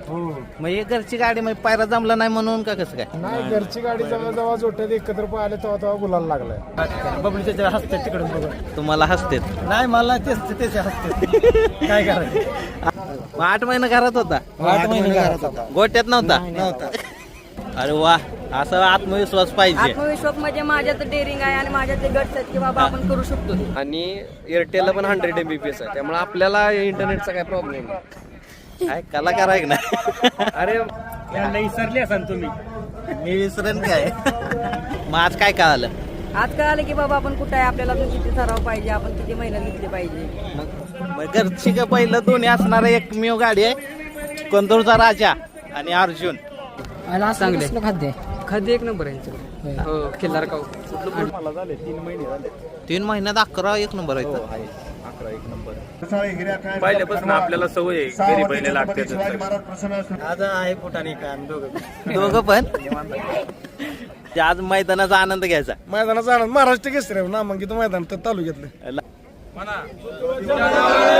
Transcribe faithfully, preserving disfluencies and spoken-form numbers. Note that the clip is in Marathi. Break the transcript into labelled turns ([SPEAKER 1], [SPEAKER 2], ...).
[SPEAKER 1] मग हे घरची गाडी मग पायरा जमला नाही म्हणून का कसं काय?
[SPEAKER 2] नाही, घरची गाडी जेव्हा जेव्हा जोट्यात एकत्र पाहिले तेव्हा तेव्हा गुलाल लागलाय.
[SPEAKER 3] बबली त्याच्या हसते तिकडून बघून.
[SPEAKER 1] तुम्हाला हसतेत
[SPEAKER 3] नाही मला तेच त्याच्या हसते. काय करायचं?
[SPEAKER 1] मग आठ महिने घरात होता,
[SPEAKER 3] आठ महिने घरात होता.
[SPEAKER 1] गोट्यात नव्हता.
[SPEAKER 3] नव्हता.
[SPEAKER 1] अरे वा, असा आत्मविश्वास पाहिजे.
[SPEAKER 4] आत्मविश्वास म्हणजे माझ्यात डेअरिंग आहे आणि माझ्यात ते गट्स आहेत की बाबा आपण करू शकतो.
[SPEAKER 5] आणि एअरटेलला पण हंड्रेड एमबीपीएस आहे, त्यामुळे आपल्याला इंटरनेटचा काय प्रॉब्लेम नाही.
[SPEAKER 1] काय कलाकार आहे ना.
[SPEAKER 5] अरे
[SPEAKER 3] विसरले असाल तुम्ही.
[SPEAKER 1] मी विसरेन काय. मग आज काय कळालं?
[SPEAKER 4] आज कळालं की बाबा आपण कुठं आहे, आपल्याला अजून किती सराव पाहिजे, आपण किती मेहनत घेतली पाहिजे.
[SPEAKER 1] मग मग घरची का पहिलं दोन्ही असणारा एकमेव गाडी आहे, कंदूरचा राजा आणि अर्जुन.
[SPEAKER 3] चांगले खाद्य खाद्य एक नंबर आहे. हो, खिल्लार काऊ.
[SPEAKER 1] तीन महिन्यात अकरा एक नंबर आहे.
[SPEAKER 6] पहिल्यापासून आपल्याला सवय आहे घरी पहिले लागते.
[SPEAKER 3] आज आहे फुटाने का दोघं
[SPEAKER 1] दोघं पण ते आज मैदानाचा आनंद घ्यायचा.
[SPEAKER 2] मैदानाचा आनंद महाराष्ट्र केसरी नामांकित मैदान तर तालुक्यातलं.
[SPEAKER 1] ला-